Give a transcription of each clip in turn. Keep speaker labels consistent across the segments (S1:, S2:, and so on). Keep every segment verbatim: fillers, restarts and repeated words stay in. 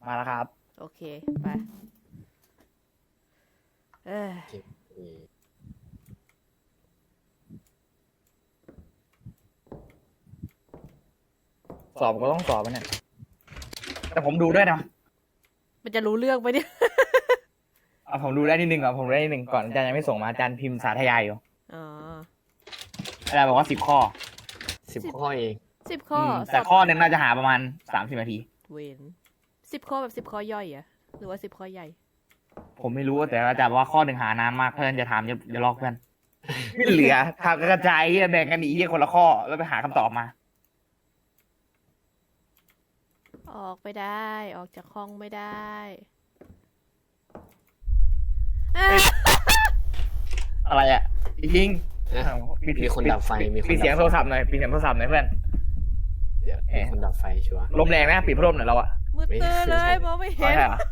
S1: มาแล้วครับ
S2: โอเคไปเออ
S1: สอบก็ต้องสอบมันเนี่ยแต่ผมดูด้วยนะ
S2: มันจะรู้เรื่องไหมเนี่ย
S1: เอาผมดูได้นิดนึงก่อนผมดูได้นิดนึงก่อนอาจารย์ยังไม่ส่งมาอาจารย์พิมพ์สาธยายอยู่
S2: อ๋อ
S1: อาจารย์บอกว่าสิบข้อ
S3: สิบข้อเอง
S2: สิบข้อ
S1: แต่ข้อหนึ่งน่าจะหาประมาณสามสิบนาที
S2: เวนสิบข้อแบบสิบข้อย่อยอะหรือว่าสิบข้อใหญ่
S1: ผมไม่รู้แต่อาจารย์บอกว่าข้อหนึ่งหานานมากเพื่อนจะถามจะจะลอกเพื่อนไม่เหลือทางกระจายแบ่งกันอีกคนละข้อแล้วไปหาคำตอบมา
S2: ออกไปได้ออกจากห้องไม่ได้
S1: อะไรอ่ะจริง
S3: มีคนดับไฟมี
S1: ปิดเสียงโทรศัพท์หน่อยปิดเสียงโทรศัพท์หน่อยเพื่อน
S3: เดี๋ยวมีคนดับไฟชัวร์
S1: ลมแรงนะปิดพัดลมหน่อยเราอ่ะ
S2: มืดตื้อเลยมองไม่เห็น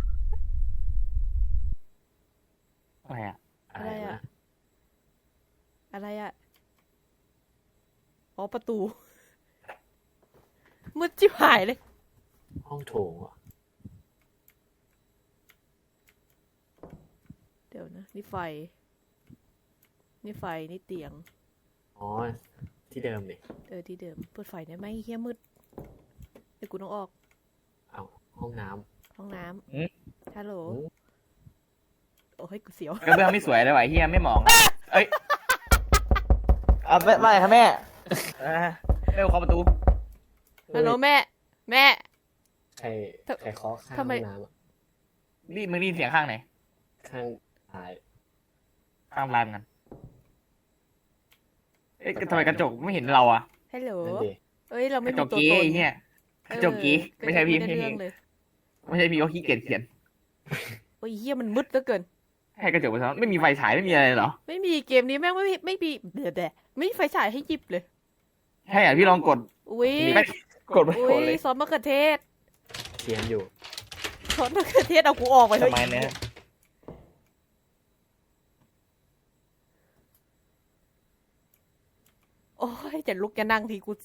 S1: อะไรอ่ะ
S2: อะไรอ่ะอะไรอ่ะอ๋อประตูมืดจิ๋วหายเลย
S3: ห้องโถงอ่ะ
S2: เดี๋ยวนะนี่ไฟนี่ไฟนี่เตียง
S3: อ๋อที่เดิมนี่
S2: เออที่เดิมเปิดไฟได้ไหมเฮียมืดเดี๋ยวกูต้องออก
S3: เอาห้องน้
S2: ำห้องน้ำฮัลโหลโอ้ยกูเสียว
S1: กระเบื้องไม่สวยเลยว่ะเฮียไม่มองเอ้ยเอาไปไปครับแม่เร็วเข้าประตู
S2: ฮัลโหลแม่แม่
S3: ใครใครเคาะข้างห้องน้ำอ่ะ
S1: นี่มึงได้ยินเสียงข้างไหน
S3: ข้างท้าย
S1: ข้างลานกันเอ๊ะทำไมกระจกไม่เห็นเราอ่ะ
S2: ฮัลโหลเอ้ยเราไม่มีตัวตน
S1: เนี่ยกระจกกี้ไม่ใช่พี่พี่ไม่ใช่พี่เขาขี้เกียจเขียน
S2: โอ้ยเฮียมันมืดเหลือเกิน
S1: ให้กระจกไปซะไม่มีไฟฉายไม่มีอะไรเหรอ
S2: ไม่มีเกมนี้แม่งไม่มีไม่มีเดี๋ยวแต่ไม่มีไฟฉายให้หยิบเลย
S1: ใช่อ่ะพี่ลองกด
S2: อุ้ย
S1: กดไปกดเลย
S2: ซอสมะเขือเทศ
S3: เขียนอยู่
S2: ซอสมะเขือเทศเอากูออกไปเลย
S1: ทำไมเนี่ย
S2: โอ้ยจะลุกจะนั่งทีกู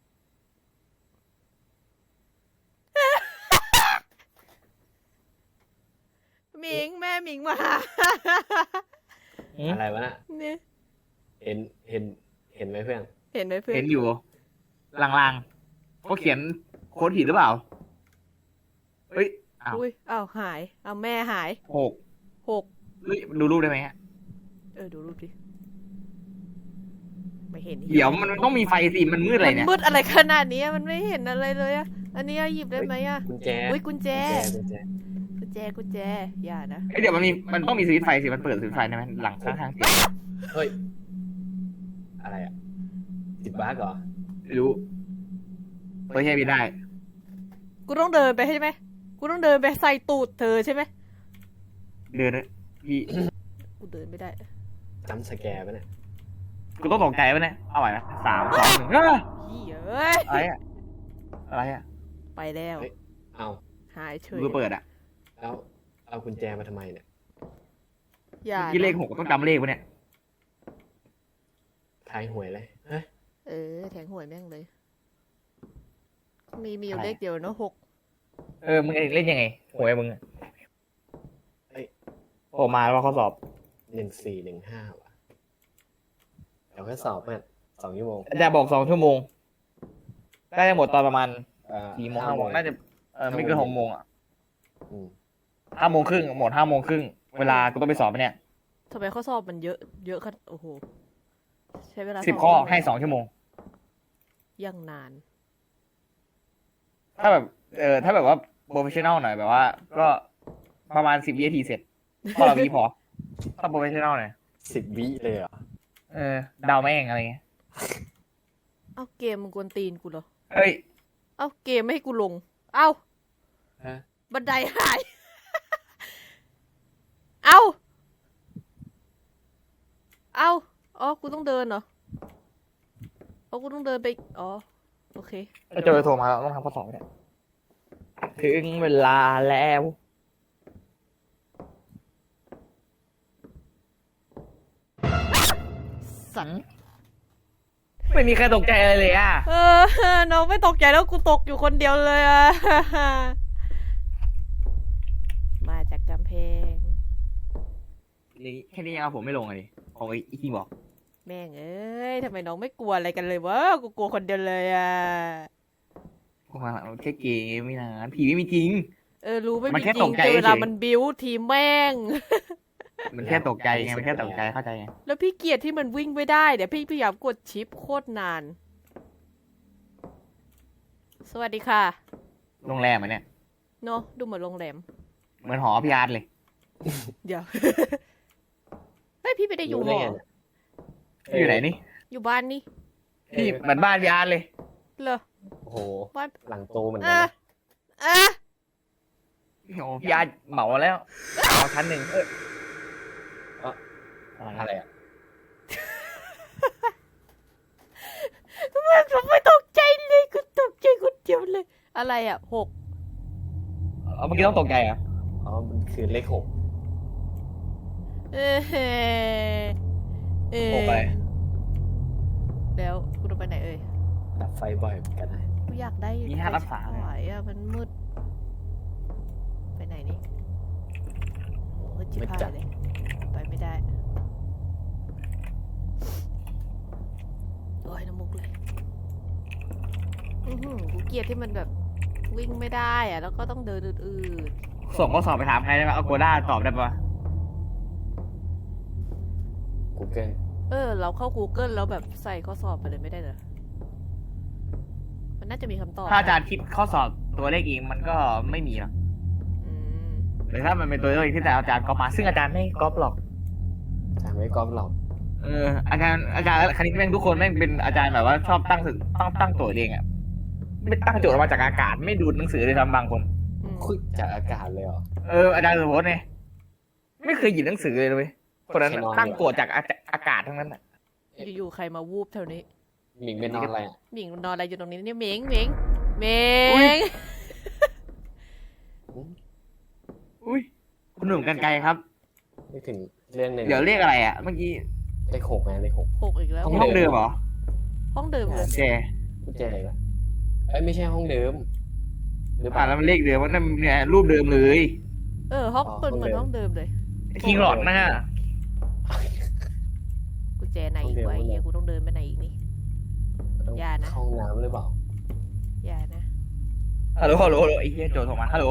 S2: หมิงแม่หมิงมา
S3: อะไรวะน่ะ
S2: เนี่ย
S3: เห็นเห็นเห็นไหมเพื่อน
S2: เห็นไหมเพื่อน
S1: เห็นอยู่ลางๆเขาเขียนโค้ดผิดหรือเปล่าเฮ้ยอ้าว
S2: อุ้ยอ้าวหายอ้าวแม่หาย
S1: หก
S2: หก
S1: เฮ้ยดูรูปได้ไหมฮะ
S2: เออดูรูปดิไม่เห็น
S1: เดี๋ยวมันต้องมีไฟสิมันมืดอะไรเนี่ย
S2: มืดอะไรขนาดนี้มันไม่เห็นอะไรเลยอ่ะอันนี้หยิบได้ไหมอ่ะ
S3: กุญแจ
S2: อุ้ยกุญแจกุญแจกุญแจกุญแจอย่านะ
S1: เดี๋ยวมันมีมันต้องมีสวิตช์ไฟสิมันเปิดสวิตช์ไฟได้ไหมหลังข้างๆเตียง
S3: เฮ้ยอะไรอ่ะติดบั๊กเหรอ
S1: ไม่รู้ไม่ใช่ไม่ได้
S2: กูต้องเดินไปใช่ไหมกูต้องเดินไปใส่ตูดเธอใช่ไหม
S1: เดินนะพี่
S2: กูเดินไม่ได้
S3: จำสแกร์ไปเนี่ย
S1: กูต้องตกใจปะเนี่ยเอาไหวไหมสามสองหนึ่งเฮ้ยอะไรอะอะไรอะ
S2: ไปแล้ว
S3: เอา
S2: หายเฉย
S1: กูเปิดอะ
S3: แล้วเอากุญแจมาทำไมเนี่ย
S2: อย่า
S1: ที่เลขหกต้องจำเลขปะเนี่ย
S3: ทายหวยเลยเฮ้ย
S2: เออแทงหวยแม่งเลยมีมีอยู่เลขเดียวเนาะหก
S1: เออมึงเล่นยังไงหวยมึงโอ้มาแล้วข้อสอบ
S3: หนึ่งสี่หนึ่งห้าว่ะเดี๋ยวแค่สอบเนี่ยสองชั่วโมง
S1: อาจารย์บอกสองชั่วโมงน่าจะหมดตอนประมาณสี่โมงห้าโมงน่าจะเออไม่เกินหกโมงอ่ะห้าโมงครึ่งหมดห้าโมงครึ่งเวลากูต้องไปสอบเนี่ย
S2: ทำไมข้อสอบมันเยอะเยอะขนาดโอ้โหใช้เวลา
S1: สิบข้อให้สองชั่วโมง
S2: ยังนาน
S1: ถ้าแบบเออถ้าแบบว่าโปรเฟชชั่นแนลหน่อยแบบว่าก็ประมาณสิบวินาทีเสร็จข้อละวิพอถ้าโปรเฟชชั่นแนลหน่อย
S3: สิบวิเลยเหรอ
S1: เออดาวแม่งอะไรเงี้ย
S2: เอาเกมมึงกวนตีนกูเหรอ
S1: เฮ้ย
S2: เอาเกมไม่ให้กูลงเอาบันไดหายเอาเอาอ๋อกูต้องเดินเหรออ๋อกูต้องเดินไปอ๋อโอเค
S1: เจอโทรมาแล้วต้องทำข้อสอบเนี่ยถึงเวลาแล้วสันไม่มีใครตกใจอะไรเลยอ่ะ
S2: เออน้องไม่ตกใจแล้วกูตกอยู่คนเดียวเลยอ่ะ
S1: นี่แค่นี้ยังเอาผมไม่ลงเลยของไอ้อีคิงบอก
S2: แม่งเอ้ยทำไมน้องไม่กลัวอะไรกันเลยวะกูกลัวคนเดียวเลยอ่ะ
S1: ว่าแค่เกมไม่นานผีไม่มีจริง
S2: เออรู้ไม่
S1: มัน
S2: มี
S1: แค่
S2: จริ
S1: ต
S2: ง
S1: กใจ
S2: แต่เวลา
S1: เฉย
S2: มันบิ้วทีมแม่ง
S1: มันแค่ตกใจไงมันแค่ตกใจเข้าใจไง
S2: แล้วพี่เกียรที่มันวิ่งไม่ได้เดี๋ยวพี่พยายามกดชิปโคตรนาน สวัสดีค่ะ
S1: โรงแรมเหมือนเนี่ย
S2: เนอะดูเหมือนโรงแรม
S1: เหมือนหอพี่อาร์ตเลย
S2: เดี๋ยว เฮ้ยพี่ไม่ได้อยู่ห
S3: รู้
S2: อ
S3: ไงเนี่ย
S1: อยู่ไหนนี่
S2: อยู่บ้านนี่
S1: พี่เหมือนบ้านพี่อาร์ตเลย
S2: เหรอ
S3: โอ้โห
S2: บ้าน
S3: หลังโตเหมือนกั
S2: อ่ะ
S3: นนะ
S2: อ่ะ
S1: โอ้พี่อาร์ตเหมาแล้วเอาชั้นหนึ่งเออ
S3: อะไรอ่ะ
S2: ทำไมผมไม่ตกใจเลยกูตกใจคนเดียวเลย อะไรอ่ะหก
S1: เอาเมื่อกี้ต้องตกใจเหรอ่ะ
S3: อ๋อมันคือเลขหก
S2: เออเออ
S1: โอ้ไป
S2: แล้วกูต้องไปไหนเอ่ย
S3: ดับไฟบ่อยเหมือนกันนะ
S2: กูอยากได้
S1: มีห้ารักษา
S2: ไฟฉายอ่ะมันมืด ไปไหนนี่มืดชิบหายเลย ไปไม่ได้ โอ้ยน้ำมุกเลย อือหือกูเกลียดที่มันแบบวิ่งไม่ได้อะแล้วก็ต้องเดินอืด
S1: ส่งข้อสอบไปถามใครได้ไหมเอาโกด้าตอบได้ปะ
S3: กูเกิล
S2: ๆเออ เราเข้า Google แล้วแบบใส่ข้อสอบไปเลยไม่ได้เหรอ มันน่าจะมีคำตอบ
S1: ถ้าอาจารย์คิดข้อสอบตัวเลขเองมันก็ไม่มีหรอก
S2: อืม
S1: หรือถ้ามันเป็นตัวเลขที่แต่อาจารย์ก๊อปมาซึ่งอาจารย์ไม่ก๊อปหรอก
S3: จำไม่กอล์ฟหรอก
S1: เอออาจารย์อาจารย์คณิตแม่งทุกคนแม่งเป็นอาจารย์แบบว่าชอบตั้งสึกตั้งตั้งโจทย์เองอ่ะไม่ตั้งโจทย์ออกมาจากอากาศไม่ดูหนังสือเลยทำบางคน
S2: อืม
S3: คุยจากอากาศเลยเหรอ
S1: เอออาจารย์สุพจน์เนี่ยไม่เคยหยิบหนังสือเลยเว้ยคนนั้น
S3: แค่นอน
S1: ตั้งโจทย์จากอาอากาศทั้งนั้นอ่ะ
S2: อยู่ๆใครมาวูบแถวนี้
S3: หมิงเป็นนอนอะไรอ่ะ
S2: หมิงนอนอะไรอยู่ตรงนี้เนี่ยหมิงหมิงหมิง
S1: อุ้ยคุณหนุ่มกันไกลครับ
S3: นึกถึงเรื่องหนึ่ง
S1: เดี๋ยวเรียกอะไรอ่ะเมื่อกี้
S3: เลขหกไงเลขหก
S2: หกอีกแล้ว
S3: ห้
S1: ห้องเดิมเหรอ
S2: ห้องเดิมเลย
S1: แก
S3: กุญแจอะไรวะเอ้ยไม่ใช่ห้องเดิมหรือเป
S1: อ่า
S3: ล่า
S1: แล้วมันเลขเดิมว่านั่นเนี่ยรูปเดิมเลย
S2: เออห้อง
S3: อ๋อ
S2: เป็นเหมือน
S3: ห้
S2: ห้
S3: อ
S2: อง ง
S3: เดิ
S2: เดิ
S3: ม
S2: มเลย
S1: คิงหลอดนะฮะ
S2: กุญแจไหนอีกวะไอ้เหี้ยกูต้องเดินไปไหนอีกนี่
S3: ต้อง
S2: อย่านะ
S3: เข้าห้องน้ำหรือเปล่า
S2: อย่านะ
S1: ฮัลโหลฮัลโหลฮัลโหลไอ้เหี้ยโจทย์ส่งมาฮัลโหล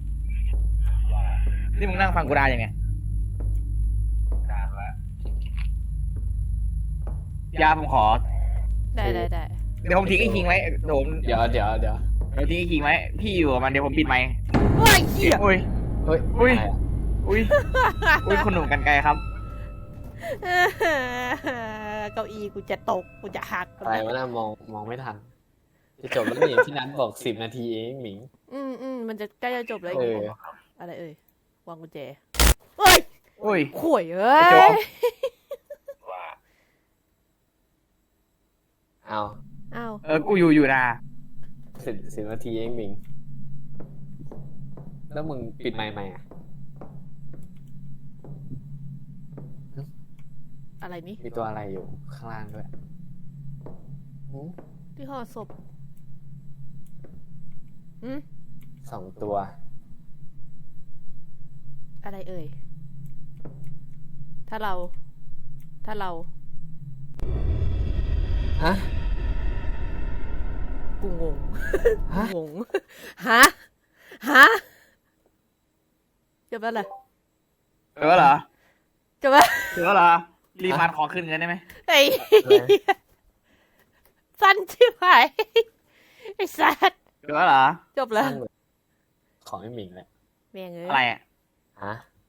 S1: นี่มึงนั่งฟังกูได้ยังไงยาผมขอ
S2: ได้ได้ได้
S1: เดี๋ยวผมทิ้งไอ้คิงไว้เดี๋ยวผม
S3: เดี๋ยวเดี๋ยวเดี๋ยว
S1: เดี๋ยวทิ้งไอ้คิงไว้พี่อยู่กับมันเดี๋ยวผมปิดไมค์
S2: ว้ายเหี้ย
S1: อุ้ย
S3: เฮ้ย
S1: อุ้ย
S3: อะไรอะ
S1: อุ้ยอุ้ยคุณหนุ่มกันไกลครับ
S2: เก้าอี้กูจะตกกูจะหัก
S3: อะไรวะน่ามองมองไม่ทัน จะจบแล้วนี่ที่นัทบอกสิบนาทีเองหมิง
S2: อืมอืมมันจะใกล้จะจบแล้ว
S3: เอ
S2: อีก
S3: อ
S2: อะไรเอ่ยวางกุญแจเฮ้ย
S1: อุ้ย
S2: ข่วยเอ้
S1: ไอ้โจ๊
S2: ย
S1: ก
S3: เอา
S2: อ้าว
S1: เออกูอยู่อยู่นะ
S3: สิบสิบนาทีเองหมิง แล้วมึงปิดไมค์ไหมอ่ะ
S2: อะไรนี่
S3: มีตัวอะไรอยู่ข้างล่างด้วยหืม
S2: ที่ห่อศพอืม
S3: สองตัว
S2: อะไรเอ่ยถ้าเรา ถ้าเรา
S3: ฮะ
S2: กูงง
S3: ฮะ
S2: งง ฮะ ฮะจบแล้วเหรอ
S1: เออเหรอ
S2: จบแล้ว
S1: เออเหรอรีฟันขอขึ้นเงินได้ไหม
S2: ไอ้เหี้ยสั้นชิบหายไอ้สัตว์
S1: เออเหรอ
S2: จบแล้ว
S3: สั้นเลยขอให้หมิงแหละ
S2: แม่งเอ้ย
S1: อะไรอ่ะ
S3: ฮะ